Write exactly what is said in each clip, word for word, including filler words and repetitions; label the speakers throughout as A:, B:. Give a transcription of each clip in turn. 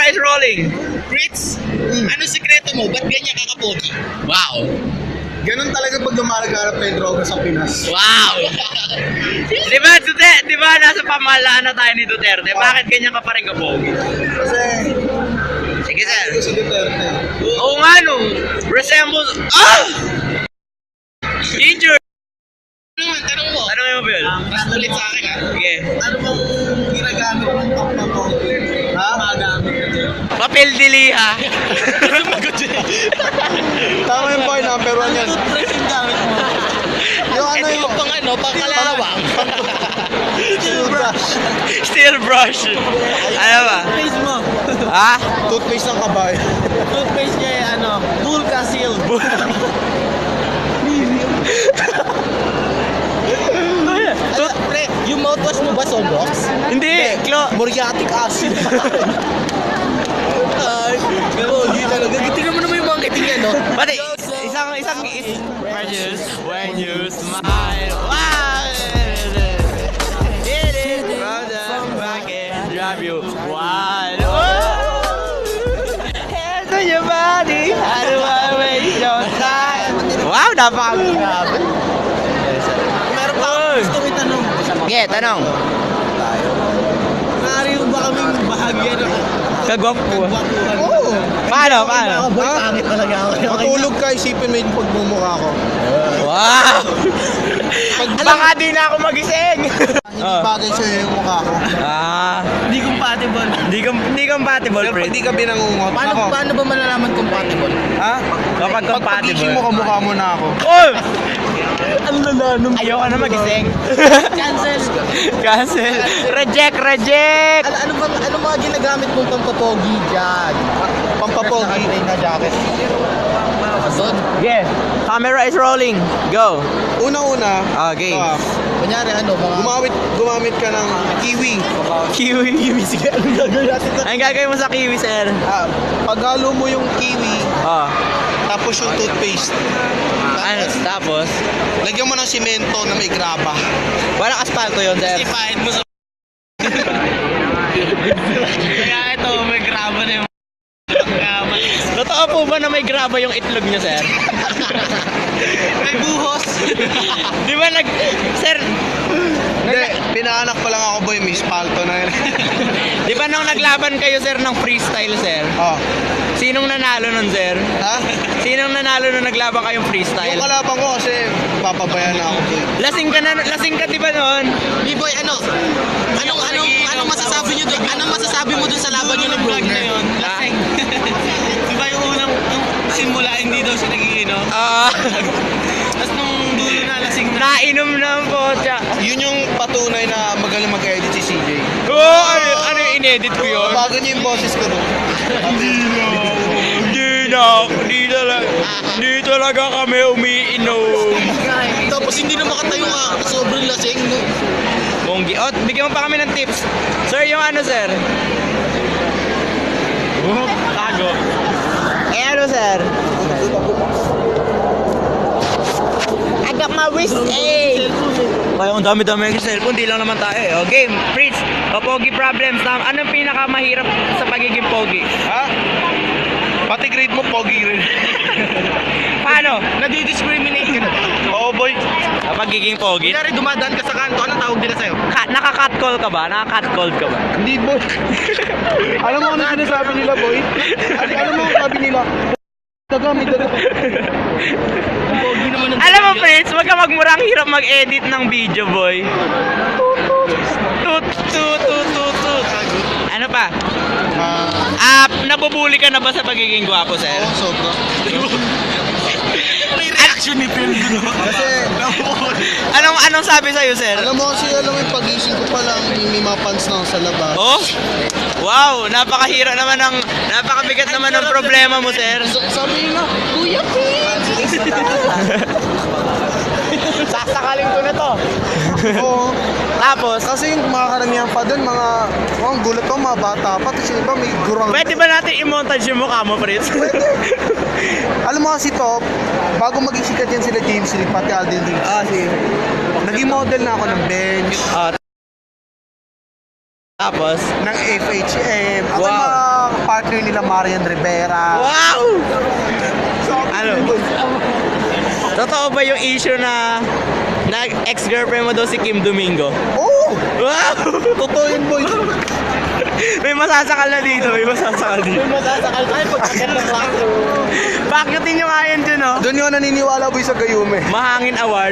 A: is rolling.
B: Fritz, ano sikreto mo? Ba't ganyan kakapogi?
A: Wow.
C: Ganun talaga pag lumalaganap na yung droga sa Pinas.
A: Wow. Di ba, Duterte, di ba nasa pamahalaan na tayo ni Duterte? Bakit ganyan ka pa rin kapogi?
C: Kasi,
A: Sige, sir.
C: ito si Duterte.
A: Oo nga no. Resembles... Ah! Injured.
B: Ano naman, tanong mo?
A: Ano yung Bill?
B: Mas ulit sa akin ha?
A: Sige.
C: Ano bang ginagamit mong pampapogi? Ha? Magamit ka dyan.
A: Papel diliha.
B: Sumagot dyan.
C: Tama yung boy, number one yan.
B: Toothbrush yung gamit mo.
C: Yung ano
B: Ito
C: yung...
B: yung pang ano, pang kalawang.
C: Steel brush.
A: Steel brush. Ano ba?
B: Toothpaste mo.
A: Ha?
C: Toothpaste ng kabayo.
B: Toothpaste niya yung ano, Bulka Seal. Ano, pre, yung mouthwash mo ba Solrox?
A: Hindi. Klo.
C: Muriatic acid.
B: Ay, pero hindi talaga. Tingnan mo naman yung mga kiting yan, no?
A: Pati, isang, isang, is, when you, when you smile, wow! It is from the back and drive you wild. Hands on your body, how do I waste your time? Wow, napaka-grabe.
B: Meron pa ako gusto ko itanong.
A: Sige, tanong.
B: Maaari mo ba kaming bahagyan ng
A: Kagwapo.
B: kagwapuhan?
C: Oo.
A: Paano, paano?
B: Mga boy, pangit talaga ako.
C: Matulog ka, isipin mo yung pagmumukha ko.
A: Wow! Baka di na ako magising!
C: Hindi bagay sa'yo yung mukha ko.
A: Ah,
B: Hindi compatible.
A: hindi com hindi compatible,
C: Pero pag
A: friend.
C: di ka binangungot,
B: Paano,
C: ako.
B: paano ba malalaman compatible?
C: Ha?
A: Kapag
C: Pag pagising mo, kamukha mo na ako.
A: Oh!
B: Ang lala nung...
A: Ayoko na magising.
B: Cancel!
A: Cancel. Reject, reject!
B: Ano, ano, bang, ano mga ginagamit mong pampapogi dyan?
C: Pampapogi.
B: Naka-train na jacket. Doon.
A: Yeah. Camera is rolling. Go.
C: Una-una,
A: Okay.
C: ah,
B: Kunyari ano, mga...
C: gumamit, gumamit ka ng kiwi.
A: Kiwi. Kiwi. Sige, anong gagawin natin? Anong gagawin mo sa kiwi, sir?
C: Ah, paghalo mo yung kiwi,
A: Oh.
C: tapos yung toothpaste.
A: Ano? Tapos?
C: Lagyan mo ng simento na may graba.
A: Walang asfalto yun, sir.
B: Ipahin mo sa... Kaya ito, may graba na yung...
A: Totoo po ba na may graba yung itlog niyo, sir?
B: May buhos.
A: Di ba nag... Sir,
C: Hindi, pinaanak pa lang ako boy, may spalto na yun.
A: di ba nung naglaban kayo, sir, ng freestyle, sir?
C: Oh.
A: Sinong nanalo nun, sir?
C: Ha?
A: Sinong nanalo nung naglaban kayong freestyle?
C: Yung kalaban ko kasi papabayan na ako boy.
A: Lasing ka na, lasing ka di ba noon?
B: B-boy, ano? Anong, anong, anong masasabi nyo doon? Anong masasabi mo doon sa laban nyo ng vlog na yun?
A: Lasing.
B: Di ba yung unang, yung simula, hindi daw siya nagiinom?
A: Ah,
B: Tapos nung dulo na, lasing na.
A: nainom na ang potya.
C: Yun yung patunay na magaling mag-edit si C J.
A: Oh, ano, ano yung inedit ko yun?
C: Bago niyo yung boses ko doon.
A: Hindi na, hindi talaga, hindi talaga kami umiinom.
B: Tapos hindi na makatayo ka, sobrang lasing, no?
A: Monggi. Oh, bigyan mo pa kami ng tips. Sir, yung ano, sir? Oh, tago. Eh, ano, sir? I got my wrist, eh! Kaya ang dami-dami yung cellphone, di lang naman tayo eh. O, game, Fritz, pogi problems. Na, anong pinakamahirap sa pagiging pogi?
C: Ha? Pati grade mo, pogi rin.
A: Paano?
B: Nadi-discriminate ka na ba?
C: Oo boy.
A: Sa pagiging pogi?
B: Kunyari dumadaan ka sa kanto, anong tawag nila sa'yo?
A: Ka- naka-catcall ka ba? Naka-catcall ka ba?
C: Hindi boy. Alam mo ano sinasabi nila boy? Alam, alam mo ang sabi nila? Daga, may daga.
B: Pogi naman ang...
A: Alam mo, Fritz, wag ka magmurang hirap mag-edit ng video, boy. Tut, tut, tut, tut, tut. Ano pa?
C: Ah,
A: Ah, nabubuli ka na ba sa pagiging gwapo, sir?
C: oo, sobra.
B: May reaction ni Phil doon.
C: Kasi,
A: Anong anong sabi sa'yo, sir?
C: alam mo kasi, alam mo yung pagising ko pa lang, may, may mga pants na ako sa labas.
A: Oh? Wow, napakahira naman ng, napakabigat naman ng problema mo, sir.
C: So, sabi nila, Kuya Pins!
A: Sasakalin ko na to.
C: Oo.
A: Tapos,
C: Kasi yung mga karamihan pa doon, mga, oh, ang gulat pa, mga bata pa. Tapos yung iba, may gurang.
A: pwede ba natin i-montage yung mukha mo, Fritz?
C: Alam mo kasi to, bago maging sikat yan sila James Lee, pati Alden Lee.
A: Ah, sige.
C: Naging model na ako ng bench,
A: Ah, tapos,
C: ng F H M. Ako
A: Wow.
C: mga partner nila Marian Rivera.
A: Wow! Ano? Totoo ba yung issue na na ex-girlfriend mo daw si Kim Domingo?
C: Oo!
A: Wow!
C: Totoo yun, boy.
A: May masasakal na dito, may masasakal dito.
B: Masasakal tayo pagkakit ng classroom.
A: Pakyutin nyo nga yan dyan, oh.
C: Doon yung naniniwala, boy, sa Gayume.
A: Mahangin Award.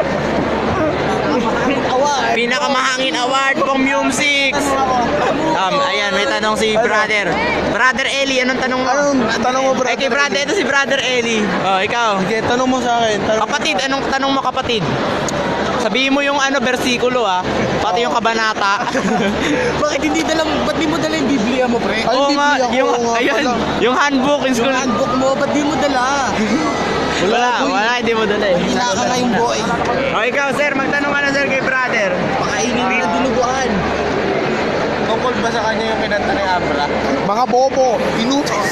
B: Award.
A: Pinakamahangin award pang music. Um, ayan, may tanong si brother. Brother Eli, anong tanong mo?
C: Anong tanong mo, brother?
A: Eh, kay brother, ito si brother Eli. Oh, ikaw.
C: Sige, tanong mo sa akin. Tanong
A: Kapatid, anong tanong mo kapatid? Sabihin mo yung ano, versikulo ah. Pati yung kabanata.
B: Bakit hindi dala, ba't di mo dala yung Biblia mo, pre?
C: Ay,
A: Oo nga,
C: Biblia ko,
A: yung,
C: oo nga
A: ayun,
C: pala.
A: yung handbook in school.
B: Yung handbook mo, ba't di mo dala?
A: Wala,
C: boy.
A: wala, hindi mo dala eh.
B: Hina ka nga yung boy.
A: O ikaw, sir, magtanong ka na sir kay brother.
B: Pakainin mo na dinuguan.
C: Tungkol ba sa kanya yung kinanta ni Abra? Mga bobo, inutos.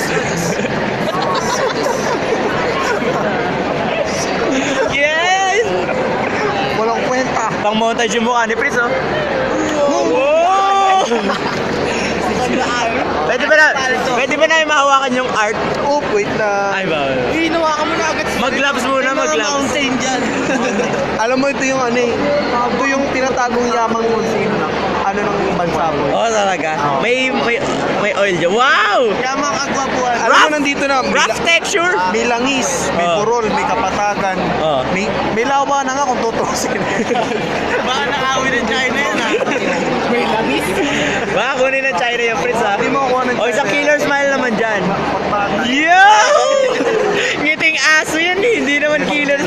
A: Yes!
C: Walang kwenta.
A: Pang montage yung mukha ni Pris, oh. Wow! Pwede ba na, pwede ba na mahawakan yung art?
C: Oh, wait na.
A: Ay ba?
B: Ginawa ka mo na agad.
A: Mag-gloves muna, mag-gloves.
B: Mountain dyan.
C: Alam mo, ito yung ano eh. Ito yung tinatagong yamang konsino ng ano ng bansa mo.
A: Oo, talaga. May, may, may oil dyan. Wow!
C: Yamang agwapuan. Alam mo,
A: Rough-
C: nandito na. May,
A: Rough texture.
C: may langis, may
A: Oh.
C: burol, may kapatagan.
A: Oh.
C: May, may lawa na nga kung tutusin.
A: Baka nakawin ng China yan, ha?
B: May langis.
A: Baka kunin ng China yung Prince, ha?
C: Hindi mo kuha ng
A: O, isang
C: China.
A: killer smile naman dyan.
C: Pagpatay.
A: Yo! Ngiting aso yan, eh. Hindi naman killer.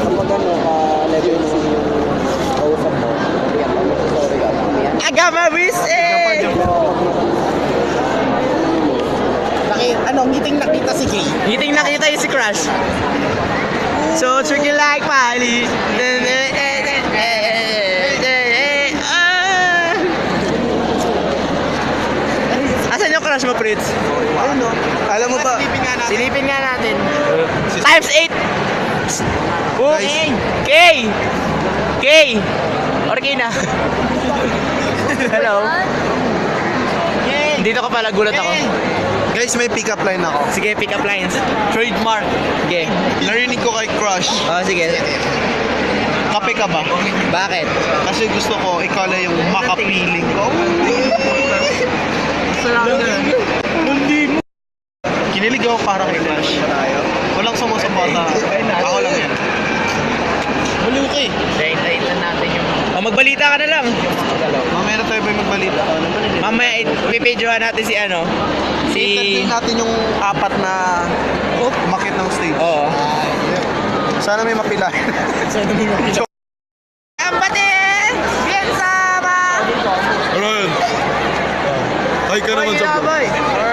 A: Agama wis, eh!
B: Bakit? Ano, ngiting nakita si Gay.
A: Ngiting nakita yung si Crush. So, tricky like Miley. Ah! Asan yung crush mo, Pritz?
C: Ayun no. Alam mo ba?
B: Silipin nga natin.
A: Silipin nga natin. Times eight. Okay. K. K. Orkina. Hello. Dito ka pala, gulat ako.
C: Guys, may pick-up line ako.
A: Sige, pick up lines. Trademark. Sige.
C: Narinig ko kay Crush.
A: Oh, sige.
C: Kape ka ba?
A: Bakit?
C: Kasi gusto ko, ikaw lang yung makapiling ko. Hindi mo. Kinilig ako para kay Crush. Walang sumusuporta. Ako lang yan.
B: Maluki.
A: Hintayin lang natin yung... Oh, magbalita ka na lang.
C: Mamaya na tayo ba yung magbalita?
A: Mamaya, ipipidyohan natin si ano? Si...
C: I-interview natin yung apat na umakit ng stage.
A: Oo.
C: Sana may mapila.
A: Empate! Bien sama!
C: Alright. Ay ka naman sa
A: Boy!